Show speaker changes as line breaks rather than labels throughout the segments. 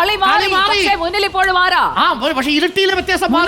കളി മാറി. പക്ഷേ മുന്നിൽ ഇപ്പോഴും ആരാ?
പക്ഷേ ഇരട്ടിയിലെ വ്യത്യാസം മാറി.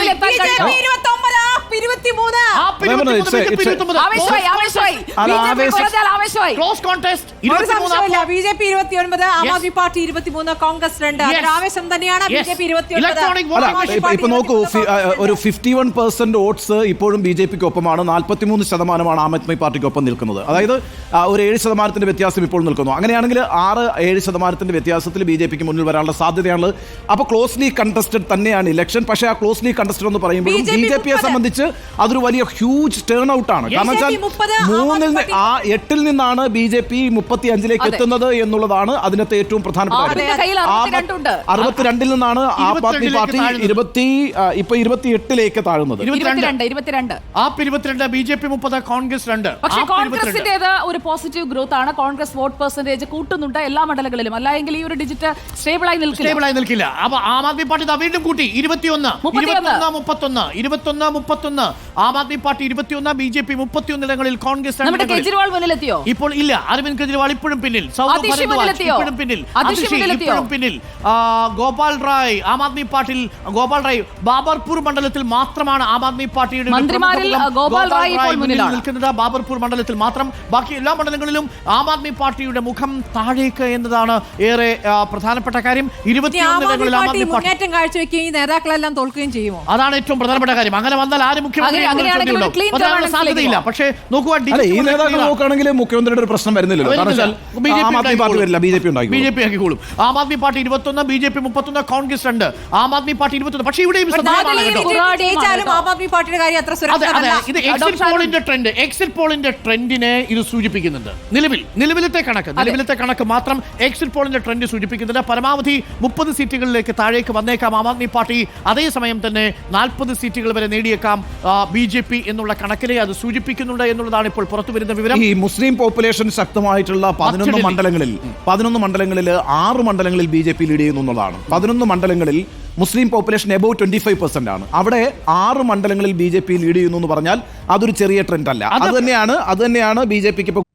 Close contest.
BJP 29, Aam Aadmi Party 23, Congress 2. ആവേശം തന്നെയാണ്. ബിജെപി 29.
ഇപ്പൊ നോക്കൂ, ഒരു 51% വോട്ട്സ് ഇപ്പോഴും ബി ജെ പിക്ക് ഒപ്പമാണ്. 43% ആം ആദ്മി പാർട്ടിക്കൊപ്പം നിൽക്കുന്നത്. അതായത് ഒരു 7% വ്യത്യാസം ഇപ്പോൾ നിൽക്കുന്നു. അങ്ങനെയാണെങ്കിൽ 6-7% വ്യത്യാസത്തിൽ ബി ജെ പിക്ക് മുന്നിൽ വരാനുള്ള സാധ്യതയാണ്. അപ്പോൾ ക്ലോസ്ലി കണ്ടസ്റ്റഡ് തന്നെയാണ് ഇലക്ഷൻ. പക്ഷേ ആ ക്ലോസ്ലി കണ്ടസ്റ്റഡ് എന്ന് പറയുമ്പോൾ ബി ജെ പിയെ സംബന്ധിച്ച് അതൊരു വലിയ ഹ്യൂജ് ടേൺ ഔട്ട് ആണ്. കാരണം വെച്ചാൽ 8-ൽ നിന്നാണ് ബി ജെ പി 35-ലേക്ക് എത്തുന്നത് എന്നുള്ളതാണ് അതിനകത്ത് ഏറ്റവും പ്രധാനപ്പെട്ട കാര്യം. 62-ൽ നിന്നാണ് ആം ആദ്മി പാർട്ടി 28-ലേക്ക് താഴുന്നത്.
22 ബി ജെ പി 30, കോൺഗ്രസ് 2.
പക്ഷേ കോൺഗ്രസിന്റേത് ഒരു പോസിറ്റീവ് ഗ്രോത്ത് ആണ്. കോൺഗ്രസ് വോട്ട് പെർസെന്റേജ് കൂട്ടുന്നുണ്ട് എല്ലാ മണ്ഡലങ്ങളിലും. അല്ലെങ്കിൽ ഈ ഒരു ഡിജിറ്റ് സ്റ്റേബിളായി നിൽക്കില്ല.
അപ്പൊ ആം ആദ്മി പാർട്ടി വീണ്ടും കൂട്ടി 21, 31. Aam Aadmi Party 21, B J P 31 ഇടങ്ങളിൽ, കോൺഗ്രസ് 2.
കെജ്രിവാൾ മുന്നിലെത്തിയോ?
ഇപ്പോൾ ഇല്ല. അരവിന്ദ് കെജ്രിവാൾ ഇപ്പോഴും പിന്നിൽ. ഇപ്പോഴും പിന്നിൽ. ഗോപാൽ റായ് ആം ആദ്മി പാർട്ടിയിൽ. ഗോപാൽ റായ് ബാബർപൂർ മണ്ഡലത്തിൽ മാത്രമാണ് ആം ആദ്മി പാർട്ടിയുടെ നിൽക്കുന്നത്. ബാബർപൂർ മണ്ഡലത്തിൽ മാത്രം. ബാക്കി എല്ലാ മണ്ഡലങ്ങളിലും ആം ആദ്മി പാർട്ടിയുടെ മുഖം താഴേക്ക് എന്നതാണ് ഏറെ പ്രധാനപ്പെട്ട കാര്യം. 21
മുന്നേറ്റം കാഴ്ചവെക്കുകയും നേതാക്കളെല്ലാം തോൽക്കുകയും ചെയ്യുമോ?
അതാണ് ഏറ്റവും പ്രധാനപ്പെട്ട കാര്യം. അങ്ങനെ വന്നാൽ ആരും മുഖ്യമന്ത്രി സാധ്യതയില്ല. പക്ഷേ നോക്കുക,
ഈ നേതാക്കൾ നോക്കുകയാണെങ്കിൽ മുഖ്യമന്ത്രിയുടെ ഒരു പ്രശ്നം വരുന്നില്ലല്ലോ. ബി ജെ പി
ആക്കിക്കോളും. Aam Aadmi Party 21, B J P 31, Congress 2. Aam Aadmi Party 21. പക്ഷേ ഇവിടെയും ഇത് എക്സിറ്റ് പോളിന്റെ ട്രെൻഡിനെ ഇത് സൂചിപ്പിക്കുന്നുണ്ട്. നിലവിലത്തെ കണക്ക് മാത്രം എക്സിറ്റ് പോളിന്റെ ട്രെൻഡ് സൂചിപ്പിക്കുന്നുണ്ട്. പരമാവധി 30 സീറ്റുകളിലേക്ക് താഴേക്ക് വന്നേക്കാം ആം ആദ്മി പാർട്ടി. അതേസമയം തന്നെ 40 സീറ്റുകൾ വരെ നേടിയേക്കാം ബി ജെ പി എന്നുള്ള കണക്കിനെ അത് സൂചിപ്പിക്കുന്നുണ്ട് എന്നുള്ളതാണ് ഇപ്പോൾ പുറത്തുവരുന്ന വിവരം.
ഈ മുസ്ലിം പോപ്പുലേഷൻ ശക്തമായിട്ടുള്ള 11 മണ്ഡലങ്ങളിൽ 6 മണ്ഡലങ്ങളിൽ ബി ജെ പി ലീഡ് ചെയ്യുന്നു എന്നുള്ളതാണ്. 11 മണ്ഡലങ്ങളിൽ മുസ്ലിം പോപ്പുലേഷൻ എബോവ് 25% ആണ്. അവിടെ 6 മണ്ഡലങ്ങളിൽ ബി ജെ പി ലീഡ് ചെയ്യുന്നു എന്ന് പറഞ്ഞാൽ അതൊരു ചെറിയ ട്രെൻഡ് അല്ല. അത് തന്നെയാണ് ബി ജെ പിക്ക് ഇപ്പോൾ